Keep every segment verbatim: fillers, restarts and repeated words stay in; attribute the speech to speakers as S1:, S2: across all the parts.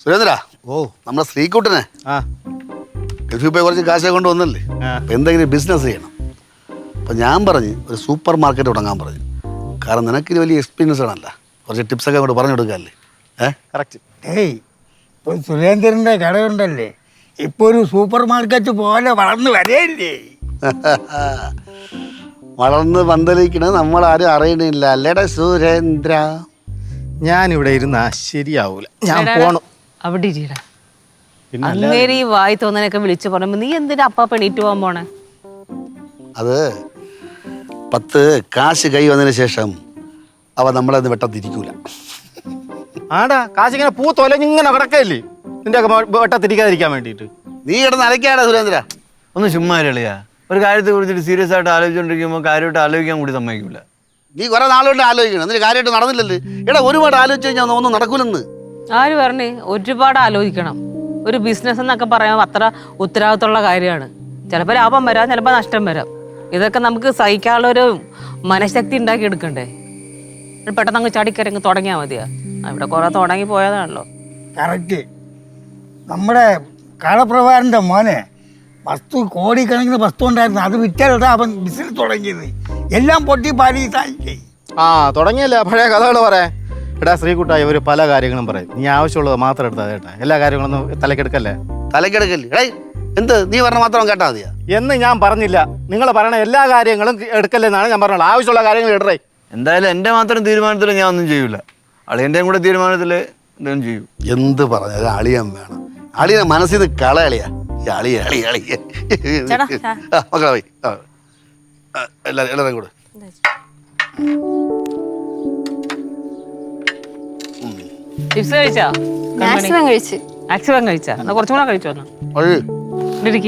S1: സുരേന്ദ്ര,
S2: ഓ
S1: നമ്മുടെ ശ്രീകുട്ടനെ
S2: ആ
S1: ഗൾഫിൽ പോയി കുറച്ച് കാശൊക്കെ കൊണ്ട് വന്നല്ലേ, അപ്പം എന്തെങ്കിലും ബിസിനസ് ചെയ്യണം. അപ്പം ഞാൻ പറഞ്ഞ് ഒരു സൂപ്പർ മാർക്കറ്റ് തുടങ്ങാൻ പറഞ്ഞു. കാരണം നിനക്കിത് വലിയ എക്സ്പീരിയൻസ് ആണല്ല, കുറച്ച് ടിപ്സൊക്കെ അങ്ങോട്ട് പറഞ്ഞു കൊടുക്കാമല്ലേ? ഏഹ്
S2: കറക്റ്റ്.
S3: ഏയ് ഇപ്പോൾ സുരേന്ദ്രൻ്റെ കടയുണ്ടല്ലേ, ഇപ്പോൾ ഒരു സൂപ്പർ മാർക്കറ്റ് പോലെ വളർന്നു വരേല്ലേ.
S1: വളർന്ന് പന്തലിക്കണത് നമ്മളാരും അറിയണില്ല അല്ലേടാ സുരേന്ദ്ര.
S2: ഞാനിവിടെ ഇരുന്നാ ശരിയാവൂല, ഞാൻ പോണു.
S4: അവിടെ ഇരിടാ.
S2: പിന്നെ
S4: അങ്ങേര് ഈ വായി തോന്നനൊക്കെ വിളിച്ചു പറയുമ്പോ നീ എന്തിനാ അപ്പാ പെണീറ്റ് പോകാൻ പോണേ?
S1: അത് പത്ത് കാശ് കൈ വന്നതിന് ശേഷം അവ നമ്മളത് വെട്ടത്തിരിക്കൂല.
S2: ആടാ കാശിങ്ങനെ പൂ തൊലഞ്ഞിങ്ങനെ കിടക്കല്ലേ നിന്റെ വെട്ടത്തിരിക്കാതിരിക്കാൻ വേണ്ടിയിട്ട്.
S1: നീ കിടന്ന് അലക്കാടാ സുരേന്ദ്ര.
S5: ഒന്ന് ചുമ്മാ കളിയാ. ഒരു കാര്യത്തെ കുറിച്ചിട്ട് സീരിയസ് ആയിട്ട് ആലോചിച്ചുകൊണ്ടിരിക്കുമ്പോൾ കാര്യമായിട്ട് ആലോചിക്കാൻ കൂടി സമ്മതിക്കില്ല.
S1: നീ കുറെ നാളുകൊണ്ട് ആലോചിക്കണം, എന്നിട്ട് കാര്യമായിട്ട് നടന്നില്ലല്ലേ? എടാ ഒരുപാട് ആലോചിച്ച് കഴിഞ്ഞാൽ ഒന്നും നടക്കൂലെന്ന്.
S4: ആര് പറഞ്ഞേ? ഒരുപാട് ആലോചിക്കണം. ഒരു ബിസിനസ് എന്നൊക്കെ പറയുമ്പോൾ അത്ര ഉത്തരവാദിത്തമുള്ള കാര്യമാണ്. ചിലപ്പോൾ ലാഭം വരാം, ചിലപ്പോൾ നഷ്ടം വരാം. ഇതൊക്കെ നമുക്ക് സഹിക്കാനുള്ളൊരു മനഃശക്തി ഉണ്ടാക്കി എടുക്കണ്ടേ? പെട്ടെന്ന് അങ്ങ് ചടിക്കരങ്ങ് തുടങ്ങിയാൽ മതിയാ. ഇവിടെ കുറെ തുടങ്ങി പോയതാണല്ലോ.
S3: കറക്റ്റ്. നമ്മുടെ കാളപ്രഭാരൻ്റെ മോനെ വസ്തു കോടിക്കണക്കിന് വസ്തു ഉണ്ടായിരുന്നു, അത് വിറ്റാലിട്ടാ അവൻ ബിസിനസ് തുടങ്ങിയത്. എല്ലാം പൊട്ടി പാരീസായി.
S2: ആ തുടങ്ങിയല്ലേ പഴയ കഥകൾ പറയാൻ. എടാ ശ്രീകുട്ടായി ഒരു പല കാര്യങ്ങളും പറയും, നീ ആവശ്യമുള്ളത് മാത്രം എടുത്താൽ കേട്ടാ. എല്ലാ കാര്യങ്ങളൊന്നും തലക്കെടുക്കല്ലേ.
S1: തലക്കെടുക്കല്ലേ? എടേ എന്ത് നീ പറഞ്ഞ മാത്രം കേട്ടാ മതിയാ
S2: എന്ന് ഞാൻ പറഞ്ഞില്ല. നിങ്ങൾ പറയണ എല്ലാ കാര്യങ്ങളും എടുക്കല്ലെന്നാണ് ഞാൻ പറഞ്ഞത്. ആവശ്യമുള്ള കാര്യങ്ങൾ ഇടറേ.
S5: എന്തായാലും എൻ്റെ മാത്രം തീരുമാനത്തിൽ ഞാൻ ഒന്നും ചെയ്യൂല. അളിയൻ്റെയും കൂടെ തീരുമാനത്തിൽ എന്തെങ്കിലും ചെയ്യും.
S1: എന്ത് പറഞ്ഞാലും അളിയൻ വേണം. അളിയനെ മനസ്സിൽ നിന്ന് കളയളിയാ. അളിയ അളിയ അളിയ മക്കളെ പോയി എല്ലാവരും എല്ലാവരും കൂടെ.
S4: ചിപ്സ് കഴിച്ചാ?
S6: മാക്സിമം കഴിച്ച്.
S4: മാക്സിമം കഴിച്ചാ? എന്നാ കുറച്ചും കൂടെ കഴിച്ചു വന്നു. ഇരിക്ക്.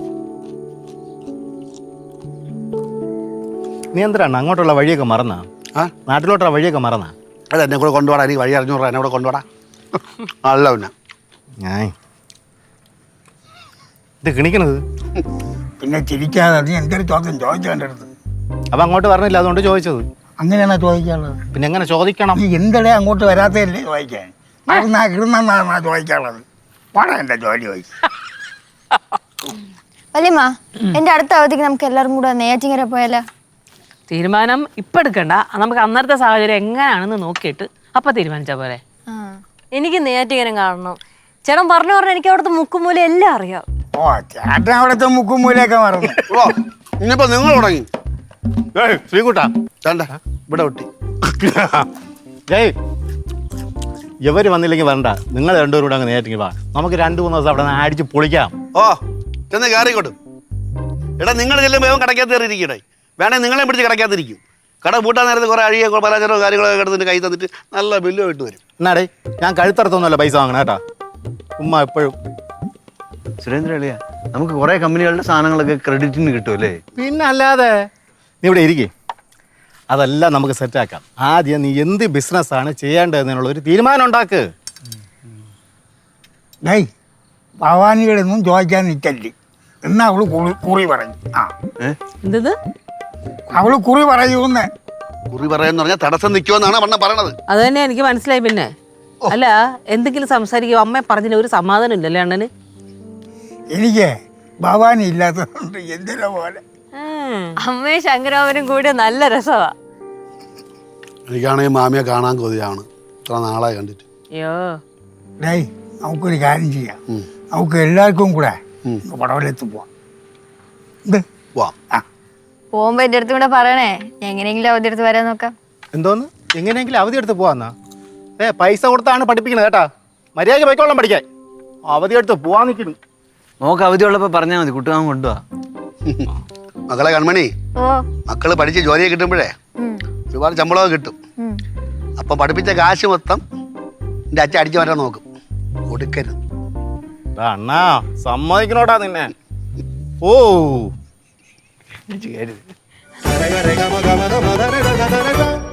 S2: നീ എന്തിനാണ് അങ്ങോട്ടുള്ള വഴിയൊക്കെ മറന്നാ?
S1: ആ
S2: നാട്ടിലോട്ടുള്ള വഴിയൊക്കെ മറന്നാ?
S1: അല്ല എന്നെ കൂടെ കൊണ്ടുപോടാ, എനിക്ക് വഴി അറിഞ്ഞൂടാ, എന്നെ കൂടെ കൊണ്ടുപോടാ. അല്ല പിന്നെ
S2: ഞാൻ ഇത് കിണിക്കണത്
S3: പിന്നെ ചിരിക്കാതെ നീ എന്തൊരു ചോദ്യം ചോദിച്ചേണ്ടത്.
S2: അപ്പം അങ്ങോട്ട് പറഞ്ഞില്ല, അതുകൊണ്ട് ചോദിച്ചത്.
S3: അങ്ങനെയാണോ ചോദിക്കാനുള്ളത്?
S2: പിന്നെ എങ്ങനെ ചോദിക്കണം?
S3: നീ എന്തടേ അങ്ങോട്ട് വരാത്തല്ലേ ചോദിക്കാൻ? മറന്നാ കിടന്നാ ചോദിക്കാനുള്ളത്. പാടാ എൻ്റെ ജോലി ചോദിക്കും.
S6: വല്യമ്മ, എന്റെ അടുത്ത അവധിക്ക് നമുക്ക് എല്ലാവരും കൂടെ നെയ്യാറ്റിൻകര പോയാലോ?
S4: തീരുമാനം ഇപ്പൊ എടുക്കണ്ട, നമുക്ക് അന്നത്തെ സാഹചര്യം എങ്ങനെയാണെന്ന് നോക്കിയിട്ട് അപ്പൊ തീരുമാനിച്ചാ പോരെ.
S7: എനിക്ക് നെയ്യാറ്റിൻകര കാണണം. ചേട്ടൻ പറഞ്ഞു പറഞ്ഞാൽ എനിക്ക് അവിടുത്തെ മുക്കുമൂല എല്ലാം അറിയാം.
S3: ഓ ചേട്ടൻ അവിടുത്തെ മുക്കും മൂലയൊക്കെ മറന്നു.
S1: ഓ ഇനിയിപ്പോ നിങ്ങൾ തുടങ്ങി.
S2: ശ്രീകുട്ടാ
S1: വേണ്ട ഇവിടെ ഒട്ടി.
S2: ഏയ് ഇവര് വന്നില്ലെങ്കിൽ വരണ്ട, നിങ്ങൾ രണ്ടുപേരും കൂടെ അങ്ങ് നേരിട്ടെങ്കിൽ വാ. നമുക്ക് രണ്ടു മൂന്ന് ദിവസം അവിടെ നിന്ന് അടിച്ച് പൊളിക്കാം.
S1: ഓ ചെന്ന് കയറിക്കോട്ടും. എടാ നിങ്ങൾ ചെല്ലുമ്പോൾ കടക്കാത്ത കയറിയിരിക്കണേ. വേണേ നിങ്ങളെ പിടിച്ച് കടക്കാത്തിരിക്കും. കട പൂട്ടാൻ നേരത്ത് കുറെ അഴിയ പലചരോ കാര്യങ്ങളൊക്കെ കിടന്നിട്ട് കൈ തന്നിട്ട് നല്ല ബില്ലും ഇട്ട് വരും.
S2: എന്നാടേ ഞാൻ കഴുത്തറത്തൊന്നുമല്ല പൈസ വാങ്ങണം കേട്ടാ. ഉമ്മ എപ്പോഴും
S5: സുരേന്ദ്ര അളിയ, നമുക്ക് കുറേ കമ്പനികളുടെ സാധനങ്ങളൊക്കെ ക്രെഡിറ്റിന് കിട്ടുമല്ലേ?
S2: പിന്നെ അല്ലാതെ. നീ ഇവിടെ ഇരിക്കേ, അതെല്ലാം നമുക്ക് സെറ്റാക്കാം. ആദ്യം നീ എന്ത് ബിസിനസ്സാണ് ചെയ്യേണ്ടതെന്നുള്ള ഒരു തീരുമാനം ഉണ്ടാക്ക്.
S3: ഡേയ് ഭവാനികളൊന്നും ചോദിക്കാൻ നിൽക്കല്ലേ എന്നാ അവള് കുറി കുറി പറയും. ആ
S4: എന്തത്?
S3: അവള് കുറി പറയൂന്ന്.
S1: കുറി പറയാന്ന് പറഞ്ഞാൽ തടസ്സം നിൽക്കുമെന്നാണ് അണ്ണ പറയണത്.
S4: അത് തന്നെ എനിക്ക് മനസ്സിലായി. പിന്നെ അല്ല എന്തെങ്കിലും സംസാരിക്കുമോ? അമ്മ പറഞ്ഞില്ല ഒരു സമാധാനം ഇല്ലല്ലേ അണ്ണന്?
S3: എനിക്ക് ഭവാനി ഇല്ലാത്തതുകൊണ്ട് എന്തിനാ പോലെ.
S7: അമ്മയും ശങ്കരാമനും കൂടി നല്ല രസമാ.
S1: എനിക്കാണെങ്കിൽ മാമിയെ കാണാൻ കൊതിയാണ്, ഇത്ര നാളായി കണ്ടിട്ട്.
S4: അയ്യോ
S3: ഡേയ് നമുക്കൊരു കാര്യം ചെയ്യാം. നമുക്ക് എല്ലാവർക്കും കൂടെ പടവലത്ത് പോവാം. എന്ത്
S1: വാ.
S3: ആ
S6: പോകുമ്പോ എന്റെ അടുത്തും കൂടെ പറയണേ, എങ്ങനെയെങ്കിലും അവധി എടുത്ത് വരാൻ നോക്കാം.
S2: എന്തോന്ന് എങ്ങനെയെങ്കിലും അവധി എടുത്ത് പോവാന്നാ? ഏ പൈസ കൊടുത്താണ് പഠിപ്പിക്കുന്നത് കേട്ടാ. മര്യാദയ്ക്ക് പോയിക്കോളാം പഠിക്കാൻ. അവധി എടുത്ത് പോവാൻ നിൽക്കുന്നു.
S5: നോക്ക് അവധി ഉള്ളപ്പോൾ പറഞ്ഞാൽ മതി, കുട്ടികാൻ കൊണ്ടുപോവാ.
S1: മക്കളെ കൺമണി,
S6: ഓ
S1: മക്കള് പഠിച്ച് ജോലിയെ കിട്ടുമ്പോഴേ ഒരുപാട് ശമ്പളമൊക്കെ കിട്ടും. അപ്പം പഠിപ്പിച്ച കാശ് മൊത്തം എൻ്റെ അച്ഛൻ അടിച്ചു മാറ്റാൻ നോക്കും. കൊടുക്കരുത്.
S2: അണ്ണാ സമ്മതിക്കണോടാ നിന്നെ. ഓ
S5: കരുത്.